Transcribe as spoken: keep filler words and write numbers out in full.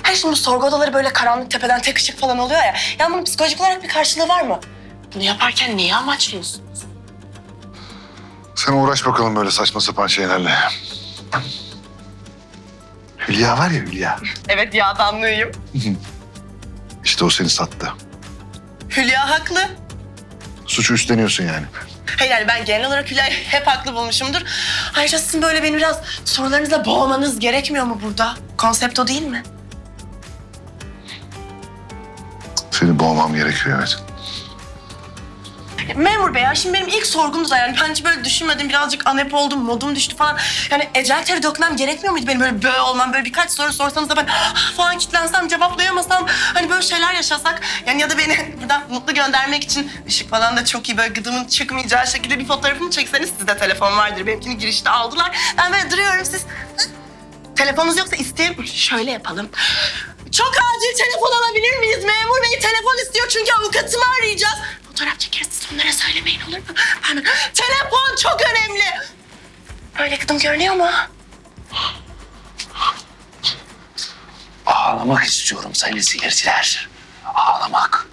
Hayır şimdi bu sorgu odaları böyle karanlık tepeden tek ışık falan oluyor ya. Yani bunun psikolojik olarak bir karşılığı var mı? Bunu yaparken neyi amaçlıyorsun? Sen uğraş bakalım böyle saçma sapan şeylerle. Hülya var ya Hülya. Evet yağdanlığıyım. İşte o seni sattı. Hülya haklı. Suçu üstleniyorsun yani. Hayır yani ben genel olarak Hülya'yı hep haklı bulmuşumdur. Ayrıca sizin böyle beni biraz sorularınızla boğmanız gerekmiyor mu burada? Konsept o değil mi? Seni boğmam gerekiyor evet. Memur bey ya şimdi benim ilk sorgumdu da yani ben hiç böyle düşünmedim. Birazcık anep oldum, modum düştü falan. Yani ecel teri dökmem gerekmiyor muydu benim böyle böğ olmam? Böyle birkaç soru sorsanız da ben ah falan kilitlensem, cevaplayamasam. Hani böyle şeyler yaşasak. Yani ya da beni buradan mutlu göndermek için ışık falan da çok iyi böyle gıdımın çıkmayacağı şekilde bir fotoğrafımı çekseniz sizde telefon vardır. Benimkini girişte aldılar. Ben böyle duruyorum siz. Telefonunuz yoksa isteyeyim. Şöyle yapalım. Çok acil telefon alabilir miyiz? Memur bey telefon istiyor çünkü avukatımı arayacağız. Fotoğraf çekeriz siz onlara söylemeyin olur mu? Pardon. Telefon çok önemli. Böyle gıdım görünüyor mu? Ağlamak istiyorum sayın seyirciler. Ağlamak.